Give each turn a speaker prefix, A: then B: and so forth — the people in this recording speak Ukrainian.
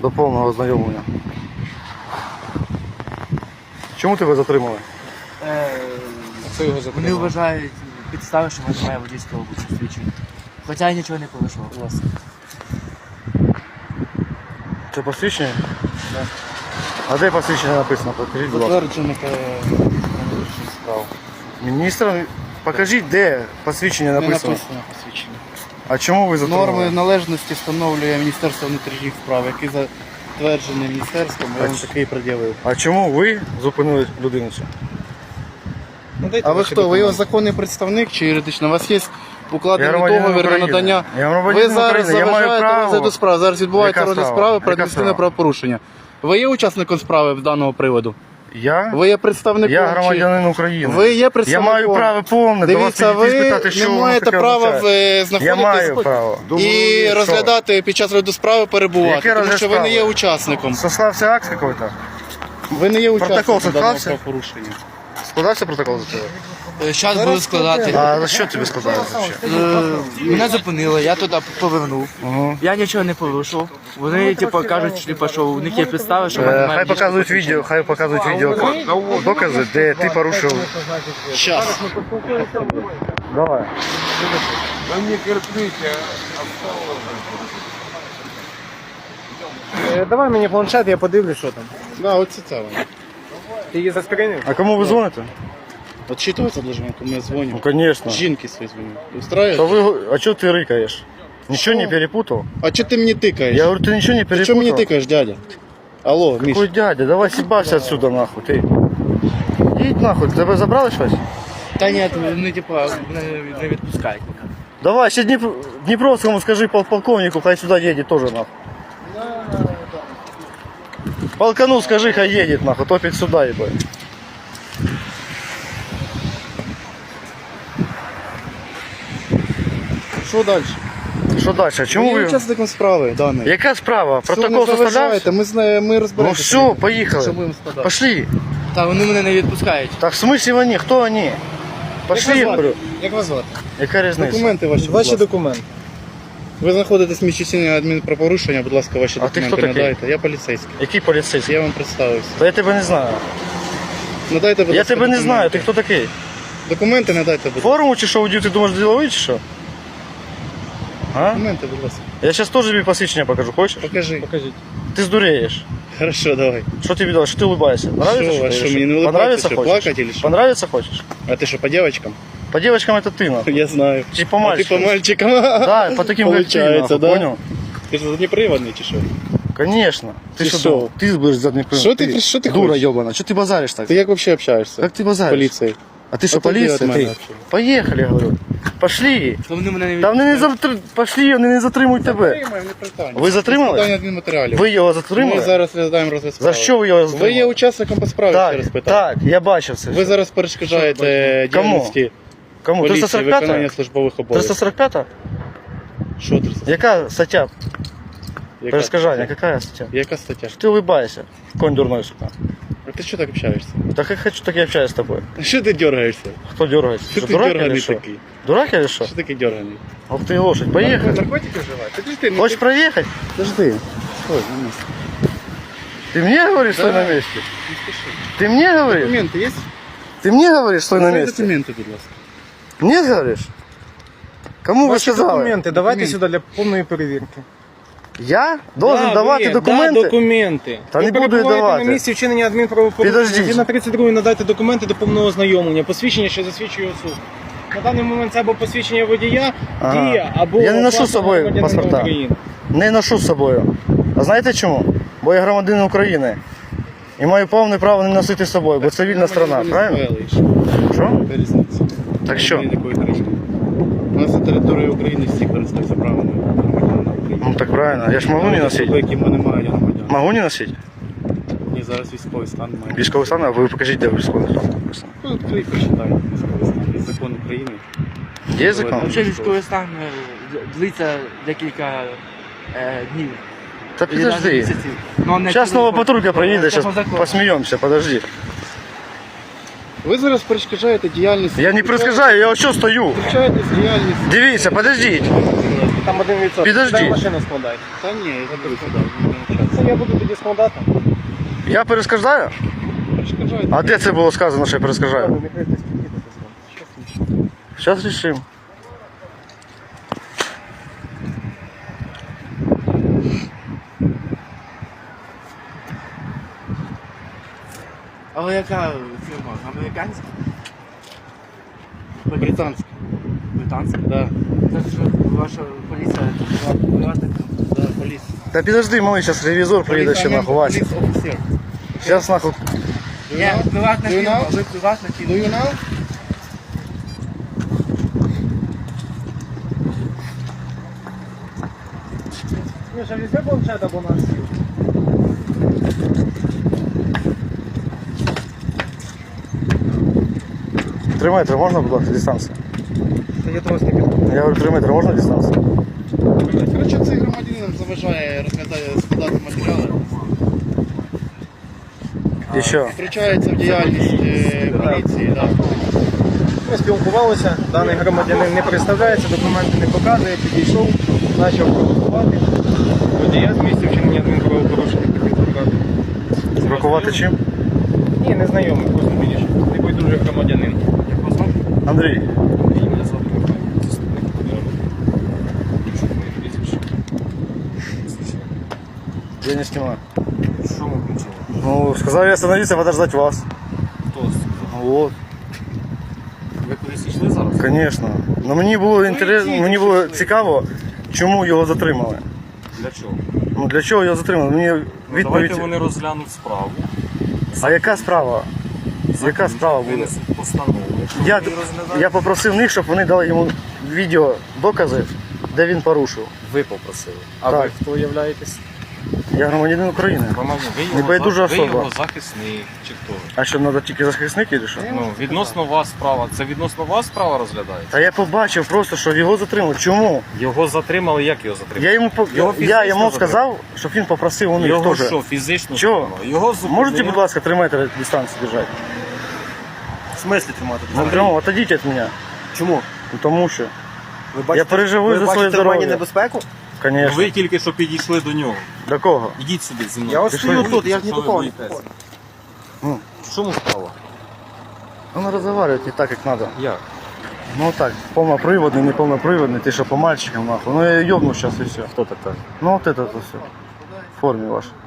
A: до повного ознайомлення. Чому тебе затримали?
B: Хто його
C: Вони
B: затримав?
C: вважають підстави, що в мене немає водійського посвідчення. Хоча я нічого не порушував. Власне.
A: Це посвідчення? Так. А де посвідчення написано? Покажіть, будь ласка.
B: Затверджених справ.
A: Міністр, покажіть, де посвідчення
B: Не
A: написано.
B: написано посвідчення.
A: А чому ви затримали?
B: Норми належності встановлює Міністерство внутрішніх справ, який затверджений міністерством, я вам такий пред'явив.
A: А чому ви зупинили людину цю?
B: А ви хто? Ви його законний представник чи юридично? У вас є
A: Я
B: укладений
A: громадянин
B: договір на
A: України.
B: надання.
A: Я громадянин
B: Ви зараз
A: України. Я маю
B: заважаєте
A: право.
B: розгляду справи. Зараз відбувається
A: Яка
B: розгляд
A: справа?
B: справи про
A: Яка
B: адміністративне
A: справа?
B: правопорушення. Ви є учасником справи з даного приводу?
A: Я?
B: Ви є представником?
A: Я
B: чи-
A: громадянин України.
B: Ви є
A: Я
B: представником?
A: маю право повне до вас
B: Дивіться,
A: підійти і
B: ви
A: спитати, що
B: не
A: воно
B: маєте
A: таке
B: права
A: означає. Я
B: знаходитись
A: маю право.
B: і
A: Що?
B: розглядати під час розгляду справи перебувати,
A: Яке
B: тому
A: розгляд
B: що ви не є
A: справи?
B: учасником.
A: Сослався акт какой-то?
B: Ви не є
A: Протокол
B: учасником даного
A: состався?
B: правопорушення.
A: Складався протокол за тебе?
C: Зараз буду складати.
A: А за що тобі складається взагалі?
C: Мене зупинили, я туди повернув.
A: Угу.
C: Я нічого не порушив. Вони типу, кажуть, типу, що у них є підстави, що в мене немає
A: Хай
C: водійського
A: показують відео, хай показують відео докази, де ти порушив.
B: Щас.
A: Давай.
D: Давай мені планшет, я подивлюсь, що там.
B: Да, оце це воно.
D: Ти її заскринив?
A: А кому ви дзвоните?
B: Отчитываться должен, кому я звоню.
A: Ну, конечно.
B: Жінки свої дзвоню. Устраивает?
A: То вы, а что ты рыкаешь? Ничего не перепутал?
B: А чого ти мені тикаєш?
A: Я говорю, ты ничего не
B: Ти
A: перепутал?
B: чого мені тикаєш, дядя? Алло, Міш.
A: Какой дядя? Давай съебався отсюда нахуй, ты. Їдь нахуй, тебе забрали щось?
C: Та ні, вони типу, не відпускають.
A: Давай, ще Дніпровському скажи полковнику, хай сюда едет тоже нахуй. Полкану скажи, хай едет нахуй, топит сюда, ебать.
B: Що далі?
A: Що далі? А чому
B: Ви є
A: ви?
B: учасником справи даної.
A: Яка справа?
B: Все,
A: Протокол
B: не
A: составлявся?
B: заважайте, ми
A: Ну
B: розберемося.
A: все, поїхали.
B: Що будемо складати?
A: Пошли.
C: Та вони мене не відпускають.
A: Так в смысле вони? Хто вони? Пошли, я говорю.
B: Як вас звати?
A: Яка різниця?
B: Документи ваші. будь
D: Ваші
B: ласка.
D: документи.
B: Ви знаходитесь в місці вчинення адмінправопорушення, будь ласка, ваші
A: А ти
B: документи
A: хто такий?
B: надайте. Я поліцейський.
A: Який поліцейський?
B: Я вам представився.
A: Та я тебе не знаю.
B: Надайте, будь
A: Я
B: ласка,
A: тебе не знаю, ти
B: документи.
A: хто такий?
B: Документи надайте, будь ласка.
A: Форму чи що одів, ти думаєш діловий чи що? А?
B: Документи, будь ласка.
A: Я зараз теж тобі посвідчення покажу, хочеш?
B: Покажи.
D: Покажіть.
A: Ти здуреєш.
B: Хорошо, давай.
A: Що тобі дали? Що ти улыбаєшся? Нравится,
B: Що, а
A: ти
B: що,
A: или
B: мені не улыбаться,
A: Понравится
B: що,
A: хочеш?
B: плакать или що?
A: Понравится хочешь?
B: А ти що, по девочкам?
A: По девочкам это ты, нахуй.
B: Я знаю.
A: Чи по
B: А ти
A: мальчикам?
B: по мальчикам?
A: Да, по таким как ты,
B: Получается,
A: нахуй,
B: да?
A: понял?
B: Ти ж заднеприводний чи що?
A: Конечно. Ты
B: Ты
A: что
B: шо?
A: думал? Ты будешь задний план.
B: Що ти
A: Дура
B: хочеш?
A: ебана. Что ты базаришь так?
B: Ти як взагалі общаєшся?
A: Как ты базаришь?
B: Поліції.
A: А ты что,
B: А то ты
A: полиция?
B: от мене
A: Ты?
B: вообще.
A: Поехали, я говорю. Пошли.
C: То вони мене не
A: Там вони не
C: відпускають.
A: Пошли, вони не затримують тебе.
B: Затримаємо, не питання.
A: Ви затримали?
B: Складання адмінматеріалів.
A: Ви його
B: Ми
A: затримали?
B: зараз розглядаємо розгляд
A: За
B: справи.
A: що ви його затримали?
B: Ви є учасником по справі, ще
A: Так,
B: раз питаю.
A: так, я бачив це.
B: Ви
A: все.
B: зараз перешкоджаєте
A: Кому?
B: діяльності
A: Кому?
B: поліції,
A: 345?
B: виконання службових обов'язків.
A: 345?
B: Що 345?
A: Яка стаття?
B: Яка
A: Перешкоджання,
B: стаття?
A: яка стаття?
B: Яка стаття?
A: Ты улыбайся, конь дурной, сука.
B: А ти що так общаєшся?
A: Так как хочу, так я общаюсь с тобой.
B: Що ти дергаєшся?
A: Кто дергается?
B: Що
A: Что,
B: ти
A: дурак или
B: дерганий
A: что?
B: такий?
A: Дурак или что?
B: Що такий дерганий?
A: Ох ты лошадь, поехали.
B: Наркотики вживаєш? Подожди,
A: Хочешь проехать?
B: Подожди. Стой, на місці.
A: Ты мне говоришь, стой на месте?
B: Не спіши.
A: Ты мне говоришь?
B: Документи є?
A: Ты мне говоришь, стой на
B: Дай
A: месте?
B: документи, будь ласка.
A: Мне говоришь? Кому вы
D: Ваші
A: сказали?
D: документи, давайте
B: Документи.
D: сюди для повної перевірки.
A: Я должен давать документы?
D: Да, документи.
A: Та
D: Ви
A: не буду я
D: перебуваєте
A: давати.
D: на місці вчинення адмінправопорушення.
A: Підождіть.
D: Згідно 32 надайте документи до повного ознайомлення, посвідчення, що засвідчує особу. На даний момент це або посвідчення водія,
A: Ага.
D: дія, або
A: Я не ношу
D: паспорт
A: з собою
D: громадянина
A: паспорта.
D: України.
A: Не ношу з собою. А знаєте чому? Бо я громадянин України. І маю повне право не носити з собою, бо це вільна страна, правильно? Що?
B: Яка різниця?
A: Так що?
B: Немає ніякої країни. У нас на території України всі користуються правами громадянина України.
A: Ну так правильно. Я ж можу не
B: Особи,
A: носити.
B: які в мене мають громадян.
A: Могу не носити?
B: Ні, зараз військовий стан має.
A: Військовий стан, а ви покажіть, де військовий стан написано.
B: Ну, відкрий, прочитай військовий стан. Є закон України.
A: Є закон?
C: Взагалі військовий стан длиться декілька днів.
A: Та
C: Или навіть
A: підожди.
C: місяців. Ну, не
A: Зараз нова
C: по-
A: патрулька проїде,
C: це
A: зараз
C: по закону.
A: посміємося, подожди.
B: Ви зараз перешкоджаєте діяльність.
A: Я не перескажаю, я ось що стою.
B: Втручаєтесь в діяльність.
A: Дивіться, подождіть.
D: там 1%.
A: Підожди.
D: Дай машину складай.
B: Та ні, я заберу сюди.
D: Це я буду тоді складати.
A: Я перешкоджаю?
D: Перешкоджаю.
A: А де це було сказано, що я перешкоджаю?
D: Не критись, підійдете.
A: Зараз рішимо.
C: Але яка фірма? Американська?
B: Британський.
C: Британська?
B: Да.
C: Це ж ваша поліція приватна фірма.
B: Да, поліс.
A: Та підожди, малий, зараз ревізор приїде ще нахуй, Вася.
B: Поліс офіцер.
A: Зараз нахуй.
C: Ні, приватна
B: Do you
C: фірма,
B: know?
C: ви приватна
B: Do
C: фірма.
B: you know?
D: Міша, візьми планшет або на сіл.
A: Тримайте, можна, будь ласка, дистанцію?
D: Це є трошки під.
A: Я говорю, 3 метри, можна дистанцію?
B: Коротше, цей громадянин нам заважає розглядає, складати матеріали.
A: І що?
B: Втручається в діяльність поліції. Да.
D: Ми спілкувалися, даний громадянин не представляється, документи не показує, підійшов, почав провокувати. Водія з місця вчинення адмінправопорушення хотів забрати.
A: Бракувати чим?
D: Ні, не знайомий, просто підійшов. Небайдужий громадянин.
C: Як вас звати?
A: Андрій,
C: Ні, мене звати Михайло, заступник Подоляна. Якщо моє прізвище.
A: я не знімаю.
C: Що ми включили?
A: Ну, сказав я остановиться, подождать вас.
C: Хто сказав?
A: Вот,
C: Ви кудись йшли зараз?
A: звісно. Ну мені було інтересно, мені було цікаво, чому його затримали.
C: Для чого?
A: Ну для чого його затримали? Мені
E: Давайте
A: відповідь.
E: вони розглянуть справу.
A: А яка справа? Яка справа буде?
E: Винесуть постанову.
A: Я,
E: Вони розглядають.
A: я попросив них, щоб вони дали йому відео докази, де він порушив.
E: Ви попросили. А
A: Так.
E: ви хто являєтесь?
A: Я громадянин України.
E: Громадянин.
A: Небайдужа
E: ви
A: особа.
E: його захисник чи хто?
A: А що, треба тільки захисники чи що?
E: Ну, відносно вас справа. Це відносно вас справа розглядається?
A: Та я побачив просто, що його затримали. Чому?
E: Його затримали, як його затримали?
A: Я йому,
E: Його
A: я
E: фізично
A: йому
E: затримали?
A: сказав, щоб він попросив у них
E: Його
A: теж.
E: що, фізично
A: Чого?
E: затримали? Його зупинили.
A: Можете, будь ласка, 3 метри дистанцію держати?
D: В смислі тримати?
A: Ну, прямо, отойдіть від мене.
D: Чому?
A: Ну, тому що.
D: Ви
A: Я переживаю за своє здоров'я.
D: небезпеку?
A: Звісно.
E: Ви тільки що підійшли до нього.
A: До кого?
E: Ідіть сюди зі мною.
D: Я ось
A: Пішли.
D: стою тут, я ж ні
E: Що
D: до
E: ви
D: кого не
E: боїтеся?
A: Ну,
E: В чому справа?
A: Надо разговаривать не так, как надо.
E: Як?
A: Ну так, полноприводный, не полноприводный, ты что, по мальчикам нахуй. Ну я ёбну сейчас и все.
E: Хто таке?
A: Ну вот это вот все. В форме вашей.